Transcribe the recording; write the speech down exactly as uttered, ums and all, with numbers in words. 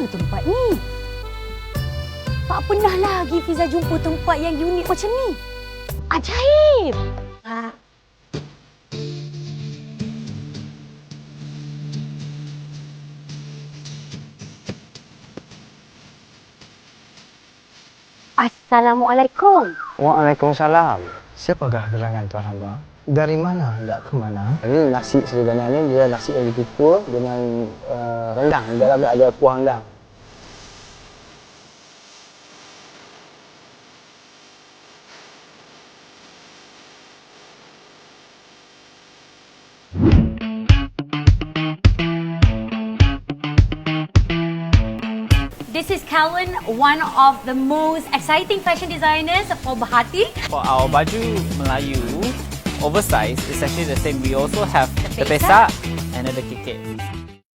tempat ni. Tak pernah lagi Fiza jumpa tempat yang unik macam ni. Ajaib! Ha. Assalamualaikum. Waalaikumsalam. Siapakah gerangan Tuan Hamba? Dari mana hendak ke mana? Ini nasi Sridana ni dia nasi yang dikukus dengan uh, rendang. Di dalamnya ada kuah rendang. This is Calvin, one of the most exciting fashion designers for Bahati. For our baju Melayu, oversized is actually the same. We also have The the pesak pesak and the kikit.